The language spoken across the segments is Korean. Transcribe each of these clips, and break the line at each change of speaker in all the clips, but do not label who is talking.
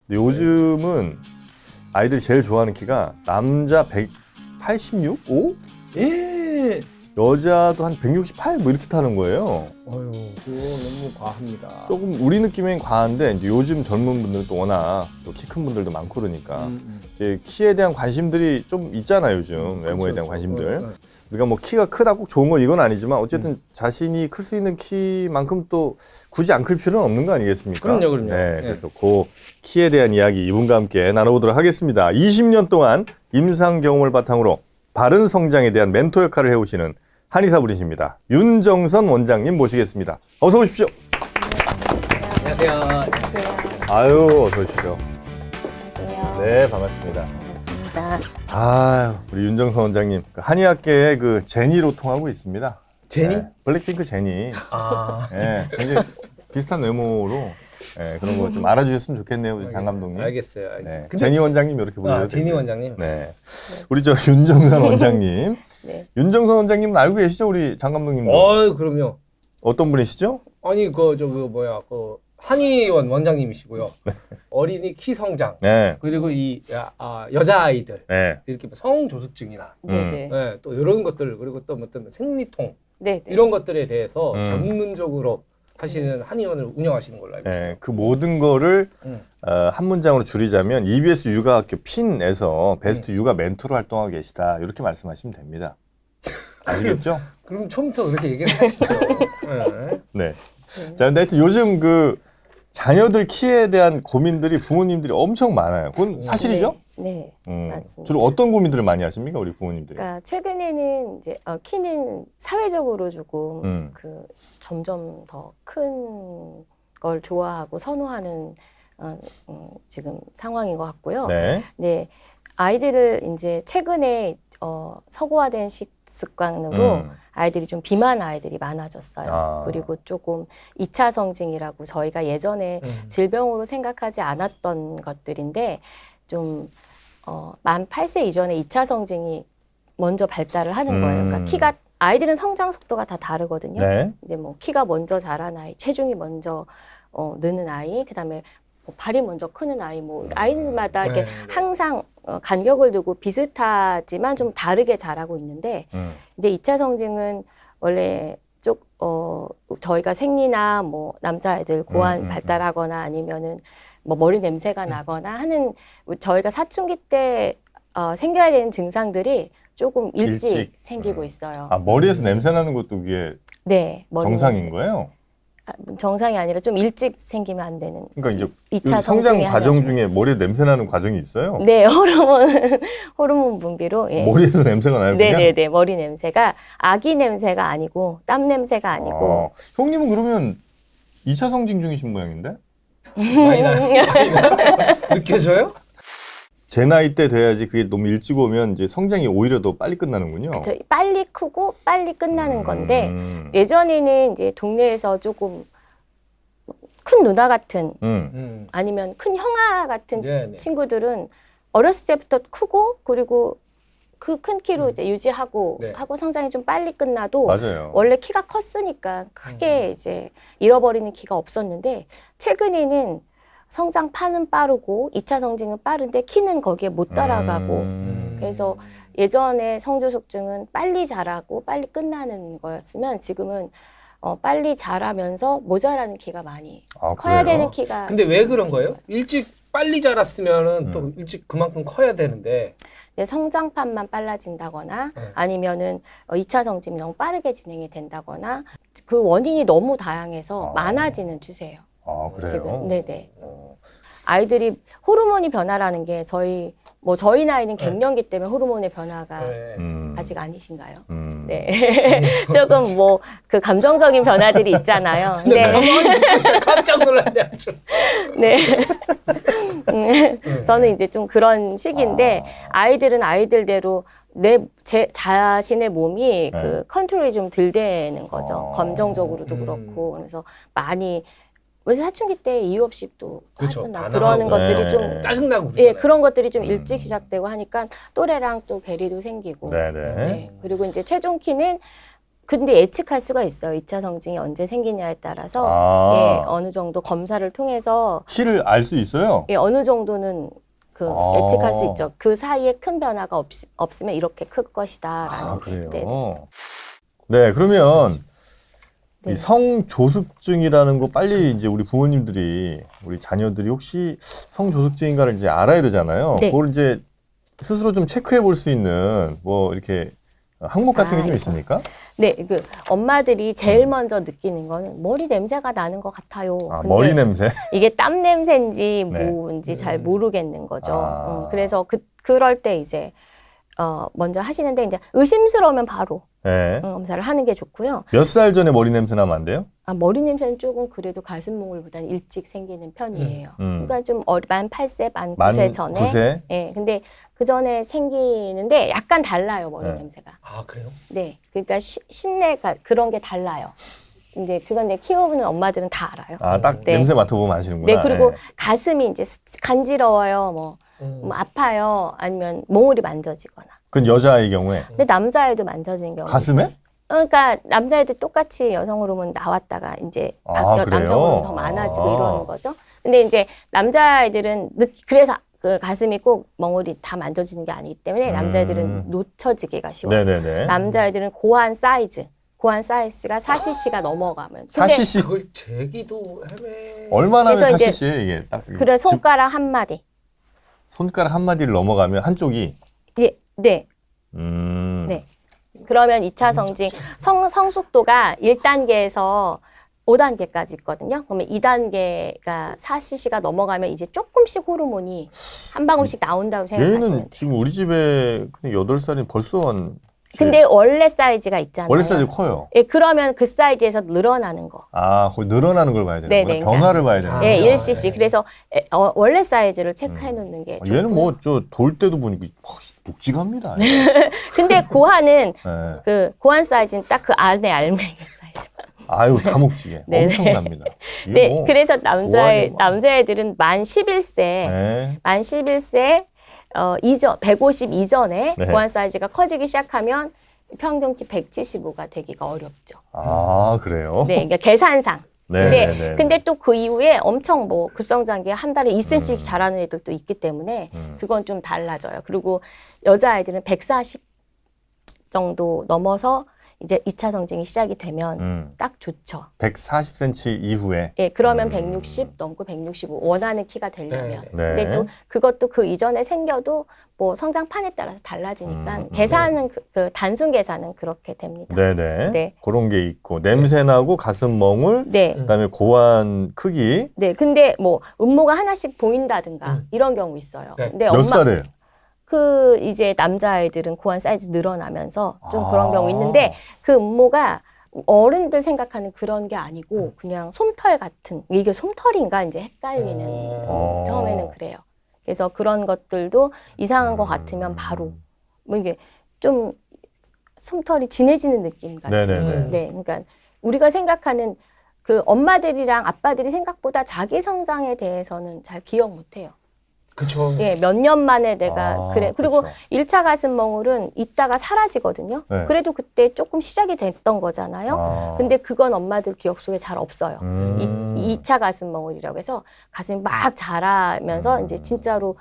근데 요즘은 아이들이 제일 좋아하는 키가 남자 186, 5?
예.
여자도 한 168 뭐 이렇게 타는 거예요.
어휴, 그거 너무 과합니다.
조금 우리 느낌엔 과한데 이제 요즘 젊은 분들은 또 워낙 또 키 큰 분들도 많고 그러니까 이제 키에 대한 관심들이 좀 있잖아요 요즘 외모에 대한 관심들. 우리가 뭐 키가 크다 꼭 좋은 건 이건 아니지만 어쨌든 자신이 클 수 있는 키만큼 또 굳이 안 클 필요는 없는 거 아니겠습니까?
그럼요.
네, 그래서 그 키에 대한 이야기 이분과 함께 나눠보도록 하겠습니다. 20년 동안 임상 경험을 바탕으로 바른 성장에 대한 멘토 역할을 해오시는 한의사 분이십니다. 윤정선 원장님 모시겠습니다. 어서 오십시오.
안녕하세요.
아유, 어서 오십시오.
안녕하세요.
네, 반갑습니다.
반갑습니다.
아유, 우리 윤정선 원장님, 한의학계의 그 제니로 통하고 있습니다.
제니?
네, 블랙핑크 제니.
아,
네, 굉장히 비슷한 외모로 네, 그런 거 좀 알아주셨으면 좋겠네요, 우리 장 감독님.
알겠어요.
네,
근데-
제니 원장님 이렇게 불러요.
제니 원장님.
네, 우리 저 윤정선 원장님.
네.
윤정선 원장님은 알고 계시죠, 우리 장 감독님도?
그럼요.
어떤 분이시죠?
아니 그 한의원 원장님이시고요. 어린이 키 성장
네,
그리고 이 여자 아이들
네.
이렇게 뭐 성조숙증이나
네네.
네, 또 이런 것들 그리고 또 어떤 생리통
네네.
이런 것들에 대해서
음.
전문적으로 하시는 한의원을 운영하시는 걸로 알고 있어요.
네, 그 모든 거를
음.
한 문장으로 줄이자면 EBS 육아학교 핀에서 베스트 육아 멘토로 활동하고 계시다 이렇게 말씀하시면 됩니다. 아시겠죠?
그럼 처음부터 그렇게 얘기를 하시죠. 네.
네. 자, 근데 하여튼 요즘 그 자녀들 키에 대한 고민들이 부모님들이 엄청 많아요. 그건 사실이죠?
네. 맞습니다.
주로 어떤 고민들을 많이 하십니까, 우리 부모님들이?
그러니까 최근에는 이제 키는 사회적으로 조금
음.
점점 더 큰 걸 좋아하고 선호하는 지금 상황인 것 같고요.
네.
네. 아이들을 이제 최근에 서구화된 식습관으로 아이들이 좀 비만 아이들이 많아졌어요.
아.
그리고 조금 2차 성징이라고 저희가 예전에 질병으로 생각하지 않았던 것들인데 좀 만 8세 이전에 2차 성징이 먼저 발달을 하는 거예요. 그러니까 키가 아이들은 성장 속도가 다 다르거든요.
네.
이제 뭐 키가 먼저 자란 아이, 체중이 먼저 느는 아이, 그다음에 뭐 발이 먼저 크는 아이, 뭐 아이들마다 이렇게 항상 간격을 두고 비슷하지만 좀 다르게 자라고 있는데 이제 2차 성징은 원래 저희가 생리나 뭐 남자아이들 고환 발달하거나 아니면은 뭐 머리 냄새가 나거나 하는 저희가 사춘기 때 생겨야 되는 증상들이 조금 일찍 생기고 있어요.
아, 머리에서 냄새 나는 것도 그게
네, 머리
정상인
냄새.
거예요?
정상이 아니라 좀 일찍 생기면 안 되는.
그러니까 이제
2차
성장
성징의
과정
하나죠.
중에 머리에 냄새 나는 과정이 있어요?
네, 호르몬 분비로. 예.
머리에서 냄새가 나요, 그냥?
네네네, 머리 냄새가 아기 냄새가 아니고 땀 냄새가 아니고.
형님은 그러면 2차 성징 중이신 모양인데?
많이 나요? 느껴져요?
제 나이 때 돼야지 그게 너무 일찍 오면 이제 성장이 오히려 더 빨리 끝나는군요.
저 빨리 크고 빨리 끝나는 건데
음.
예전에는 이제 동네에서 조금 큰 누나 같은 아니면 큰 형아 같은
네네.
친구들은 어렸을 때부터 크고 그리고 그 큰 키로 이제 유지하고
네.
하고 성장이 좀 빨리 끝나도
맞아요.
원래 키가 컸으니까 크게 이제 잃어버리는 키가 없었는데 최근에는 성장판은 빠르고 2차 성징은 빠른데 키는 거기에 못 따라가고 그래서 예전에 성조숙증은 빨리 자라고 빨리 끝나는 거였으면 지금은 빨리 자라면서 모자라는 키가 많이 커야
그래요?
되는 키가
근데 왜 그런 거예요? 일찍 빨리 자랐으면은 또 일찍 그만큼 커야 되는데.
성장판만 빨라진다거나 아니면은 2차 성징이 너무 빠르게 진행이 된다거나 그 원인이 너무 다양해서 많아지는 추세예요.
아, 그래요?
지금. 네네. 아이들이 호르몬이 변화라는 게 저희 나이는 갱년기 때문에 호르몬의 변화가 아직 아니신가요? 네. 조금 그 감정적인 변화들이 있잖아요.
근데 깜짝 놀랐네 아주.
네. 저는 이제 좀 그런 시기인데 아이들은 아이들대로 제 자신의 몸이 그 컨트롤이 좀 덜 되는 거죠. 감정적으로도 그렇고 그래서 많이 왜 사춘기 때 이유 없이 또
그렇죠.
하거나
다
그러는
나가고.
것들이 좀
짜증나고
예,
그러잖아요.
그런 것들이 좀 일찍 시작되고 하니까 또래랑 또 괴리도 생기고
네네.
네. 그리고 이제 체중 키는 근데 예측할 수가 있어요. 2차 성징이 언제 생기냐에 따라서 예, 어느 정도 검사를 통해서
키를 알 수 있어요?
예, 어느 정도는 그 예측할 수 있죠. 그 사이에 큰 변화가 없으면 이렇게 클 것이다라는.
그래요?
네.
네, 그러면
네.
이 성조숙증이라는 거 빨리 이제 우리 부모님들이, 우리 자녀들이 혹시 성조숙증인가를 이제 알아야 되잖아요.
네.
그걸 이제 스스로 좀 체크해 볼 수 있는 뭐 이렇게 항목 같은 게 좀
이거.
있습니까?
네, 그 엄마들이 제일 먼저 느끼는 거는 머리 냄새가 나는 것 같아요. 근데
머리 냄새?
이게 땀 냄새인지
네.
뭔지 잘 모르겠는 거죠.
아.
그래서 그럴 때 이제 먼저 하시는데 이제 의심스러우면 바로
네.
검사를 하는 게 좋고요.
몇 살 전에 머리 냄새 나면 안 돼요?
머리 냄새는 조금 그래도 가슴몽울보다는 일찍 생기는 편이에요. 그러니까 좀 만 8세, 만 9세 전에.
9세?
예, 근데 그 전에 생기는데 약간 달라요, 머리
네.
냄새가.
아, 그래요?
네, 그러니까 신내가 그런 게 달라요. 근데 그건 내 키워보는 엄마들은 다 알아요.
딱
네.
냄새 맡아보면 아시는구나.
네, 그리고
네.
가슴이 이제 간지러워요, 뭐 아파요, 아니면 몽울이 만져지거나.
그건 여자아이 경우에.
근데 남자애도 만져지는 경우.
가슴에?
그러니까 남자애들 똑같이 여성 호르몬 나왔다가 이제
그래요?
남성 호르몬 더 많아지고 이러는 거죠. 근데 이제 남자애들은 그래서 그 가슴이 꼭 멍울이 다 만져지는 게 아니기 때문에 남자애들은 놓쳐지기가 쉬워요.
네네네.
남자애들은 고한 사이즈가 4cc가 넘어가면. 근데
4cc?
그걸 재기도 헤매.
얼마나 하면
그래서
4cc 이게? 딱
그래 손가락 한 마디.
손가락 한 마디를 넘어가면 한쪽이.
예, 네.
네.
그러면 2차 성징 성숙도가 1단계에서 5단계까지 있거든요. 그러면 2단계가 4cc가 넘어가면 이제 조금씩 호르몬이 한 방울씩 나온다고 생각하시면 돼요.
얘는 지금 우리 집에 그냥 8살이 벌써
근데 원래 사이즈가 있잖아요.
원래 사이즈 커요.
예, 그러면 그 사이즈에서 늘어나는 거.
거의 늘어나는 걸 봐야 되는 거예요.
네네,
변화를 봐야 되는
예,
거예요.
1cc. 그래서 원래 사이즈를 체크해 놓는 게 좋고요.
얘는 뭐 돌 때도 보니까 묵직합니다.
근데 고한은
네.
그 고한 사이즈는 딱 그 안에 알맹이 사이즈.
아유 다 묵직해.
네네.
엄청납니다. 이거
네,
뭐
그래서
고한이 막-
남자애들은 만 11세,
네.
만 11세 이전 150 이전에
네.
고한 사이즈가 커지기 시작하면 평균 키 175가 되기가 어렵죠.
그래요?
네, 그러니까 계산상.
네.
근데 또 그 이후에 엄청 뭐 급성장기 한 달에 2cm씩 자라는 애들도 있기 때문에 그건 좀 달라져요. 그리고 여자아이들은 140 정도 넘어서 이제 2차 성징이 시작이 되면 딱 좋죠.
140cm 이후에.
예, 그러면 160 넘고 165 원하는 키가 되려면.
네.
근데 또 그것도 그 이전에 생겨도 뭐 성장판에 따라서 달라지니까 계산은 그 단순 계산은 그렇게 됩니다.
네네.
네.
그런 게 있고 냄새 나고 가슴 멍울.
네.
그다음에 고환 크기.
네. 근데 뭐 음모가 하나씩 보인다든가 이런 경우 있어요.
네.
근데
몇 살에?
그 이제 남자아이들은 고환 사이즈 늘어나면서 좀 그런 경우 있는데 그 음모가 어른들 생각하는 그런 게 아니고 그냥 솜털 같은 이게 솜털인가 이제 헷갈리는 처음에는 그래요. 그래서 그런 것들도 이상한 것 같으면 바로 뭐 이게 좀 솜털이 진해지는 느낌 같아요.
네네네.
네, 그러니까 우리가 생각하는 그 엄마들이랑 아빠들이 생각보다 자기 성장에 대해서는 잘 기억 못해요.
그렇죠.
예, 몇 년 만에 내가 그래. 그리고
그렇죠.
1차 가슴 멍울은 있다가 사라지거든요.
네.
그래도 그때 조금 시작이 됐던 거잖아요. 근데 그건 엄마들 기억 속에 잘 없어요. 2차 가슴 멍울이라고 해서 가슴이 막 자라면서 이제 진짜로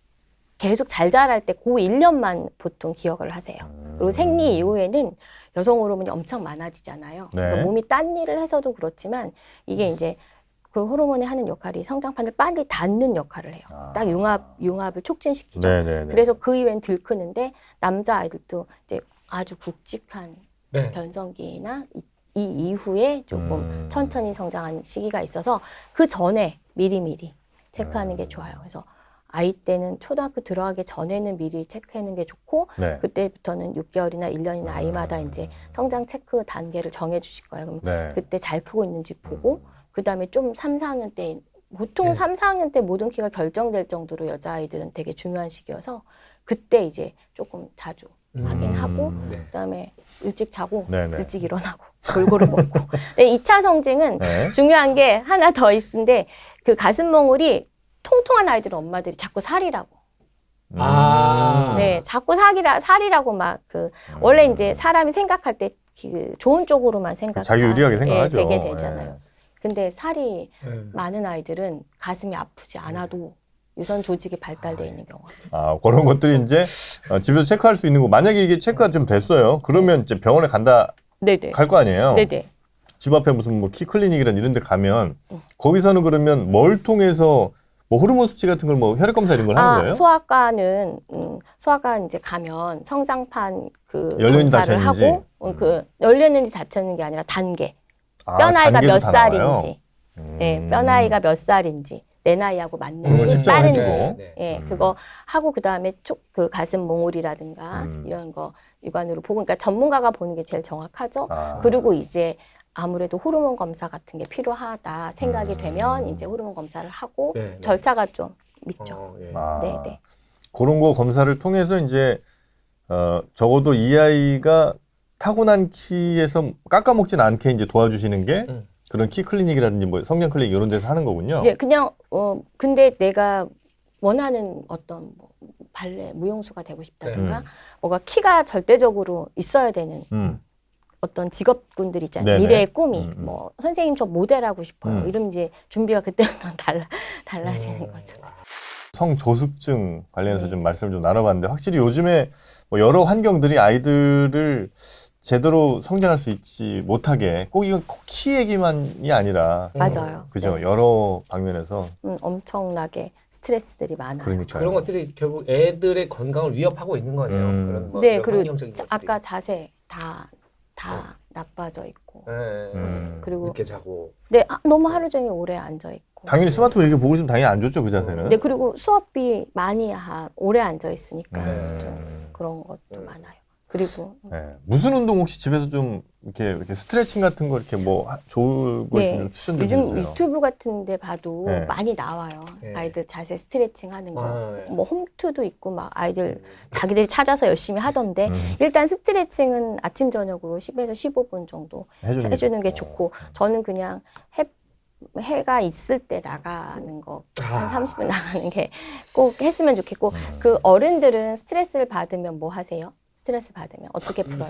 계속 잘 자랄 때 그 1년만 보통 기억을 하세요. 그리고 생리 이후에는 여성 호르몬이 엄청 많아지잖아요.
네.
그러니까 몸이 딴 일을 해서도 그렇지만 이게 이제 그 호르몬이 하는 역할이 성장판을 빨리 닫는 역할을 해요. 딱 융합을 촉진시키죠.
네네네.
그래서 그 이후엔 들크는데 남자아이들도 이제 아주 굵직한
네.
변성기나 이 이후에 조금 천천히 성장하는 시기가 있어서 그 전에 미리미리 체크하는 게 좋아요. 그래서 아이 때는 초등학교 들어가기 전에는 미리 체크하는 게 좋고
네.
그때부터는 6개월이나 1년이나 아이마다 이제 성장 체크 단계를 정해 주실 거예요. 그럼
네.
그때 잘 크고 있는지 보고 그다음에 좀 3, 4학년 때 보통
네.
3, 4학년 때 모든 키가 결정될 정도로 여자아이들은 되게 중요한 시기여서 그때 이제 조금 자주 확인하고
네.
그다음에 일찍 자고
네네.
일찍 일어나고 골고루 먹고. 근데 2차 성징은
네.
중요한 게 하나 더 있는데 그 가슴 멍울이 통통한 아이들은 엄마들이 자꾸 살이라고.
아.
네, 자꾸 살이라고 막 원래 이제 사람이 생각할 때 좋은 쪽으로만
자기 유리하게 생각하죠.
되게 되잖아요.
예.
근데 살이 많은 아이들은 가슴이 아프지 않아도 유선 조직이 발달되어 있는 경우가 많아요.
그런 것들이 이제 집에서 체크할 수 있는 거. 만약에 이게 체크가 좀 됐어요. 그러면 이제 병원에 갈 거 아니에요.
네네.
집 앞에 무슨 뭐 키 클리닉이란 이런 데 가면 거기서는 그러면 뭘 통해서 뭐 호르몬 수치 같은 걸 뭐 혈액 검사 이런 걸 하는 거예요?
소아과는 소아과 이제 가면 성장판 그
열렸는지
검사를
닫혔는지?
하고 그 열렸는지 닫혔는 게 아니라 단계. 뼈 나이가
단계도
몇
다 나와요?
살인지, 뼈 나이가 몇 살인지, 내 나이하고
그걸
맞는지,
측정을
빠른지,
해주고.
그거 하고 그 다음에 그 가슴 몽울이라든가 이런 거 육안으로 보고, 그러니까 전문가가 보는 게 제일 정확하죠. 그리고 이제 아무래도 호르몬 검사 같은 게 필요하다 생각이 되면 이제 호르몬 검사를 하고 절차가 좀 있죠. 네네.
그런 거 검사를 통해서 이제 적어도 이 아이가 타고난 키에서 깎아먹진 않게 이제 도와주시는 게 그런 키 클리닉이라든지 뭐 성장 클리닉 이런 데서 하는 거군요.
네, 그냥 근데 내가 원하는 어떤 뭐 발레 무용수가 되고 싶다든가 뭐가 키가 절대적으로 있어야 되는 어떤 직업군들 있잖아요.
네네.
미래의 꿈이 뭐 선생님 저 모델하고 싶어요. 이러면 이제 준비가 그때부터 달라지는 거죠.
성조숙증 관련해서 좀 말씀을 좀 나눠봤는데 확실히 요즘에 뭐 여러 환경들이 아이들을 제대로 성장할 수 있지 못하게 꼭 이건 키 얘기만이 아니라
맞아요.
그죠?
네.
여러 방면에서
엄청나게 스트레스들이 많아요.
그러니까요.
그런 것들이 결국 애들의 건강을 위협하고 있는 거네요. 그런 뭐
네,
여러
그리고
환경적인 것들이.
아까 자세 다 나빠져 있고 그리고
늦게 자고.
네, 너무 하루 종일 오래 앉아 있고.
당연히 스마트폰 이렇게 보고 좀 당연히 안 좋죠, 그 자세는.
네, 그리고 수업이 많이 오래 앉아 있으니까 좀 그런 것도 많아요. 그리고
무슨 운동 혹시 집에서 좀 이렇게 스트레칭 같은 거 이렇게 뭐 좋은 거 있으면 추천 좀
요즘
해주세요.
유튜브 같은 데 봐도 많이 나와요.
네.
아이들 자세 스트레칭 하는 거. 뭐 홈트도 있고 막 아이들 자기들이 찾아서 열심히 하던데 일단 스트레칭은 아침 저녁으로 10에서 15분 정도 해주는 게 좋고 저는 그냥 해가 있을 때 나가는 거 한 30분 나가는 게 꼭 했으면 좋겠고 그 어른들은 스트레스를 받으면 뭐 하세요? 스트레스 받으면 어떻게 풀어요?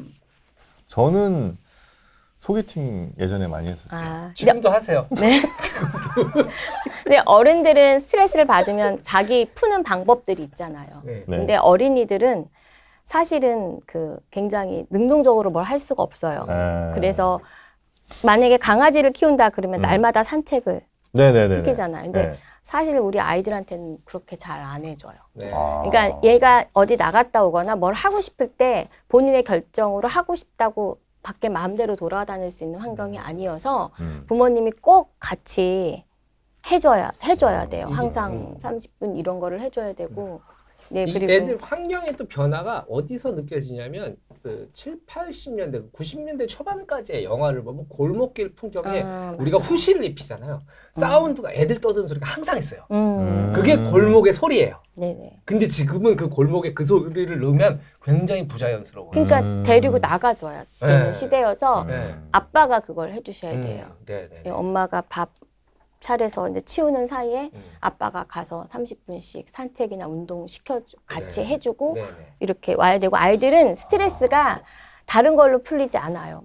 저는 소개팅 예전에 많이 했었죠.
지금도 하세요.
네. 근데 어른들은 스트레스를 받으면 자기 푸는 방법들이 있잖아요. 근데 어린이들은 사실은 굉장히 능동적으로 뭘 할 수가 없어요. 그래서 만약에 강아지를 키운다 그러면 날마다 산책을 시키잖아요. 근데 사실 우리 아이들한테는 그렇게 잘 안 해줘요. 그러니까 얘가 어디 나갔다 오거나 뭘 하고 싶을 때 본인의 결정으로 하고 싶다고 밖에 마음대로 돌아다닐 수 있는 환경이 아니어서 부모님이 꼭 같이 해줘야 돼요. 항상 30분 이런 거를 해줘야 되고. 네, 그리고
애들 환경의 또 변화가 어디서 느껴지냐면 그 7, 80년대, 90년대 초반까지의 영화를 보면 골목길 풍경에 우리가 후시를 입히잖아요. 사운드가 애들 떠드는 소리가 항상 있어요. 그게 골목의 소리예요.
네네.
근데 지금은 그 골목에 그 소리를 넣으면 굉장히 부자연스러워요.
그러니까 데리고 나가줘야 되는 시대여서 아빠가 그걸 해주셔야 돼요. 네, 엄마가 밥 차려서 이제 치우는 사이에 아빠가 가서 30분씩 산책이나 운동 같이 해주고 이렇게 와야 되고 아이들은 스트레스가 다른 걸로 풀리지 않아요.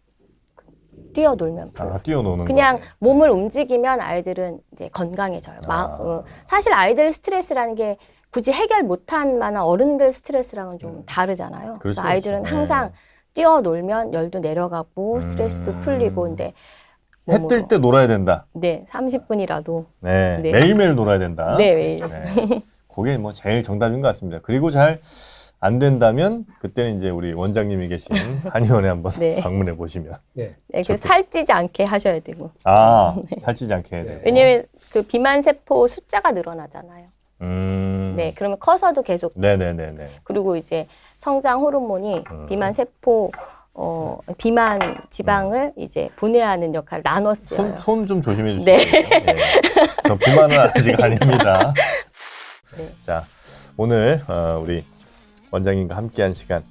뛰어놀면 풀려.
뛰어노는
그냥 몸을 움직이면 아이들은 이제 건강해져요. 사실 아이들 스트레스라는 게 굳이 해결 못한 만한 어른들 스트레스랑은 좀 다르잖아요. 그래서 아이들은 항상 뛰어놀면 열도 내려가고 스트레스도 풀리고 근데
해 뜰 때 놀아야 된다.
네, 30분이라도.
네, 매일매일 놀아야 된다.
네, 매일.
그게 뭐 제일 정답인 것 같습니다. 그리고 잘 안 된다면 그때는 이제 우리 원장님이 계신 한의원에 한번 방문해 보시면.
그 살찌지 않게 하셔야 되고.
살찌지 않게 해야 되고.
왜냐면 그 비만 세포 숫자가 늘어나잖아요. 네, 그러면 커서도 계속.
네네네네.
그리고 이제 성장 호르몬이 비만 세포 비만 지방을 이제 분해하는 역할을 나눴어요.
손 좀 조심해 주시고요. 저 비만은 아직 아닙니다. 자, 오늘 우리 원장님과 함께한 시간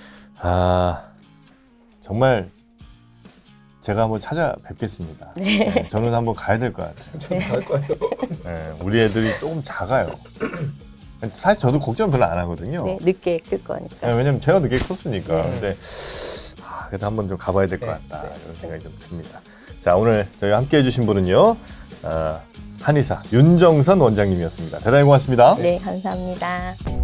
정말 제가 한번 찾아뵙겠습니다. 저는 한번 가야 될 것 같아요.
저도 갈 거예요.
우리 애들이 조금 작아요. 사실 저도 걱정 별로 안 하거든요.
늦게 클 거니까.
왜냐면 제가 늦게 컸으니까. 근데 그래도 한번 좀 가봐야 될 것
네,
같다.
네.
이런 생각이 좀 듭니다. 자, 오늘 저희 함께 해주신 분은요. 한의사 윤정선 원장님이었습니다. 대단히 고맙습니다.
네, 감사합니다.